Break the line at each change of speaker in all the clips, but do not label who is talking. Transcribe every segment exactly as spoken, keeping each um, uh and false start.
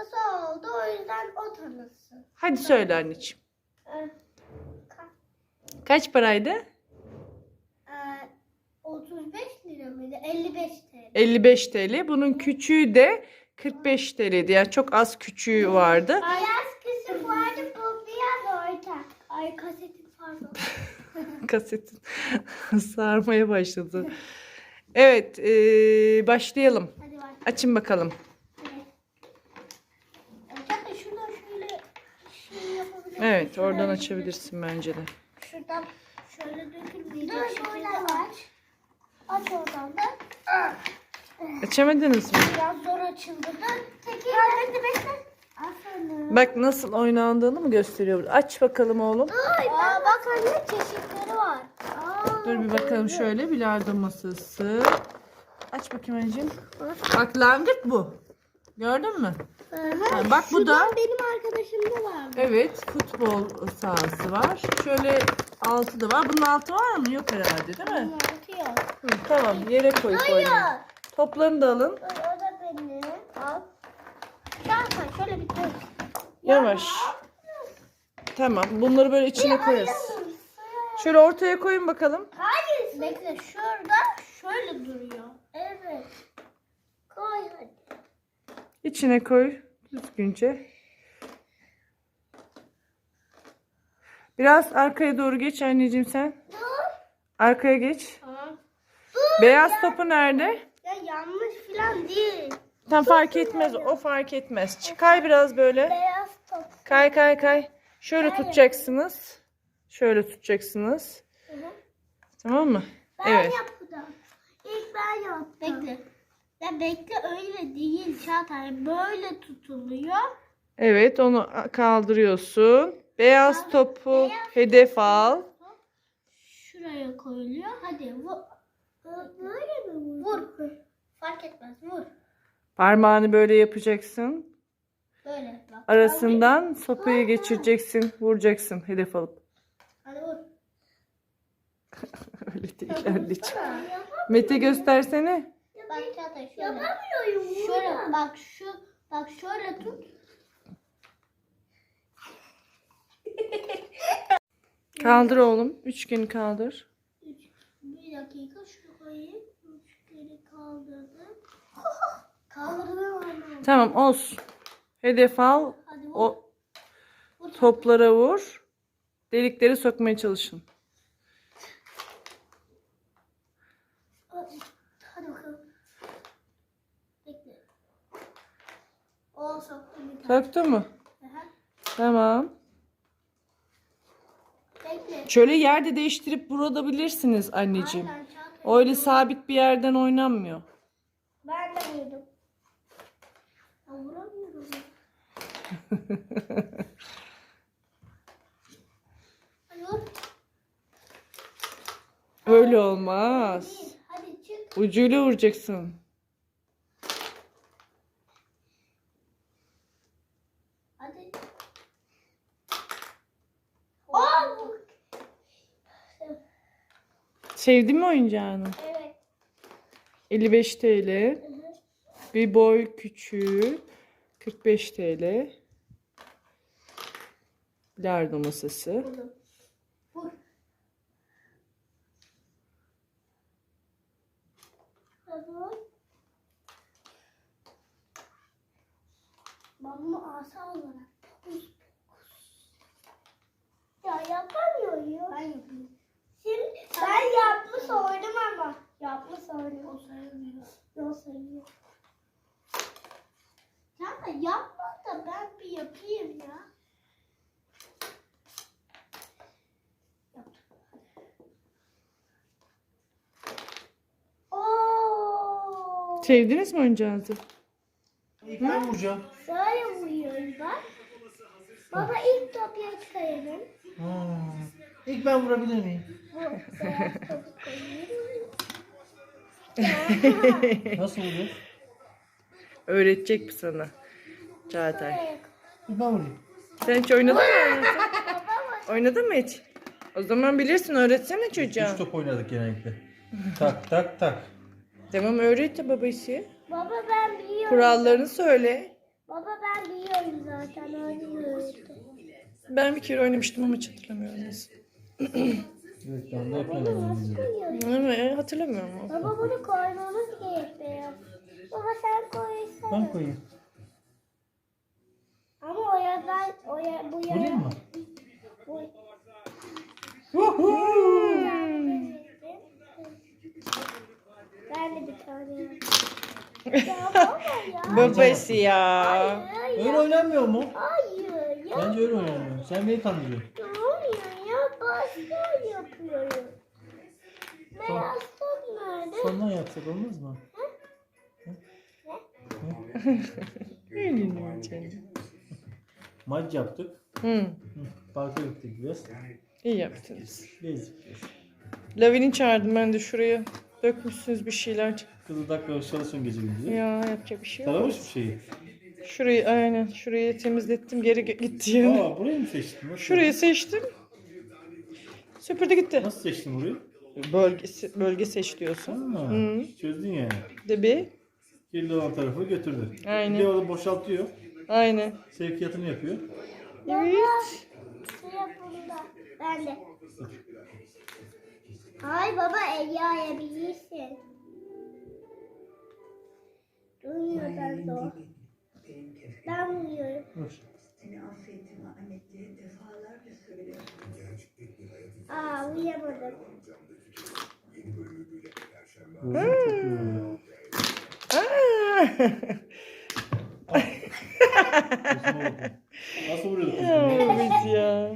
hastası oldu. O yüzden o tanısın.
Hadi söyle anneciğim.
Ee,
Kaç paraydı?
e, otuz beş lira mıydı? elli beş T L.
elli beş T L. Bunun küçüğü de kırk beş T L'ydi. Yani çok az küçüğü vardı.
Beyaz kısım vardı. Bu biraz orta. Ay kasetim pardon.
Kasetin sarmaya başladı. Evet, ee, başlayalım.
Hadi bak.
Açın bakalım.
Zaten şuradan şöyle şey yapabilirim.
Evet, oradan açabilirsin bence de.
Şuradan şöyle dökülmeyecek şekilde aç. Aç oradan da.
Açamadınız mı?
Biraz zor açıldı da. Tekrar bekle bekle. Aferin.
Bak nasıl oynandığını mı gösteriyor? Aç bakalım oğlum.
Ay, Aa, bak anne çeşitleri var. Aa,
Dur bir bakalım şöyle. Bilardo masası. Aç bakayım anneciğim. Bak langırt bu. Gördün mü?
Aha,
Ha, bak bu da.
şuradan benim arkadaşımda var.
Evet, futbol sahası var. Şöyle altı da var. Bunun altı var mı? Yok herhalde, değil mi?
Atıyor.
Hı, tamam, yere koy koy.
Hayır.
Toplarını da alın.
O da benim. Al. Zaten şöyle bir dök.
Yavaş. Tamam, bunları böyle içine koyarız. Şöyle ortaya koyun bakalım.
Hayır. Bekle şurada şöyle duruyor. Evet. Koy hadi.
İçine koy düzgünce. Biraz arkaya doğru geç anneciğim sen.
Dur.
Arkaya geç.
Tamam.
Beyaz topu nerede?
Ya yanlış falan değil.
Tam fark etmez. O fark etmez. Çıkay biraz böyle.
Beyaz top.
Kay kay kay. Şöyle tutacaksınız. Şöyle tutacaksınız.
Hı hı.
Tamam mı?
Ben
Evet.
yaptım. İlk ben yaptım. Bekle. Ya bekle öyle değil Çağatay. Böyle tutuluyor.
Evet, onu kaldırıyorsun. Beyaz topu
Beyaz
hedef al.
Şuraya koyuluyor. Hadi vur. Böyle mi vur? Vur. Fark etmez. Vur.
Parmağını böyle yapacaksın.
Böyle. Bak.
Arasından sopayı geçireceksin. Vuracaksın hedef alıp.
Hadi vur.
Öyle değil anneciğim. Mete göstersene.
Bak Çağatay şöyle. Yapamıyorum. Şöyle bak şu. Bak şöyle tut.
Kaldır oğlum. Üçgeni kaldır.
Üç, bir dakika şu koyayım. Üç kere kaldırdım. Kaldırdım anne.
Tamam olsun. Hedef al.
Hadi vur.
O
Vur.
toplara vur. Delikleri sokmaya çalışın.
Hadi bakalım. Bekle. O soktum bir tane.
Taktı mı?
Aha.
Tamam.
Bekle.
Şöyle yerde değiştirip vurabilirsiniz anneciğim.
Aynen, Çağatay.
Öyle sabit bir yerden oynanmıyor.
Ben de vurdum. Ya vuramıyorum. Hadi vur.
Öyle olmaz.
Bir. Hadi çık.
Ucuyla vuracaksın.
Hadi. Aa, vur.
Sevdin mi oyuncağını?
Evet.
elli beş T L.
Hı hı.
Bir boy küçüğü. kırk beş T L. Bilardo masası.
Vurdum. Vur. Hadi vur. Ben bunu asa olarak fokus fokus. Ya yapamıyorum. Ben yapayım. Şimdi ben yapmış oldum ama. Yapmış oldum. O sayılmıyor. O sayılıyor. Ya da yapma da ben bir yapayım ya. Oo.
Sevdiniz mi oyuncağınızı?
İlk ben vuracağım.
Böyle vuruyoruz bak. Baba ilk topya çıkaralım.
Ha. İlk ben vurabilir miyim?
Bu beyaz topu koyuyoruz.
Nasıl vuruyor?
Öğretecek mi sana? Çağatay.
İlk ben vurayım.
Sen hiç oynadın mı? hayatım? Oynadın mı hiç? O zaman bilirsin, öğretsene çocuğa.
Üç top oynadık genellikle. Tak tak tak.
Tamam öğret de babası.
Baba ben biliyorum.
Kurallarını söyle.
Baba ben biliyorum zaten oynuyorum.
Ben bir kere oynamıştım ama hiç hatırlamıyorum nasıl.
Evet ben de yapıyorum.
Evet, hatırlamıyorum. ama.
Baba bunu koymamız gerekiyor. Baba sen koysana.
Ben koyayım.
Ama o yazan, o ya, bu ya.
Vurayım mı?
Bu.
Woohoo!
Ben de bir tane yapayım. Ya baba ya.
Babası ya.
Hayır
Öyle
ya.
oynanmıyor mu?
Hayır ya.
Bence öyle oynanıyor. Sen beni kandırıyorsun.
Olmuyor ya. Başka yapıyorum. Beyaz top nerede?
Sondan yapsak olmaz mı?
Öyle canım.
Maç yaptık.
Hı,
Hı, Parka gittik biraz.
iyi yaptınız.
Gezdik.
Lavin'i çağırdım ben de şuraya. Dökmüşsünüz bir şeyler.
Kızı dakika çalışın gece gündüz.
Ya yapacak bir şey yok.
Taramış bir şeyi.
Şurayı aynen şurayı temizlettim geri ge- gitti yani.
Aa burayı mı seçtin? Nasıl?
Şurayı seçtim. Süpürdü gitti.
Nasıl seçtin burayı?
Bölgesi, bölge seç diyorsun.
Ha,
Hı.
çözdün yani.
De bir.
Kirli olan tarafı götürdü.
Aynen.
Bir de orada boşaltıyor.
Aynen.
Sevkiyatını yapıyor.
Evet.
Şey yapımda. Ben de. Hayır baba el yayabilirsin. Duymuyor ben de o. Ben vuruyorum.
Dur.
Seni affettiğimi anneye defalarca söyledim.
Aa uyuyamadım.
Gözüm çok yoruyor.
Aa!
Kızıma bakın. Nasıl vuruyorduk kızımı?
Evet ya.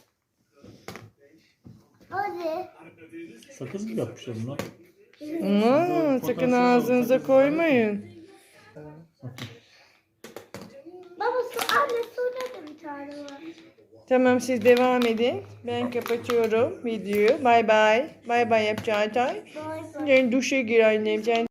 Hadi.
Sakız mı yapmışlar bunlar?
Aa, sakın ağzınıza koymayın.
Baba su anne suda da bir tane var.
Tamam siz devam edin. Ben kapatıyorum videoyu. Bay bay. Bay bay yap Çağatay.
Bay bay.
Sen duşa gir annem. Sen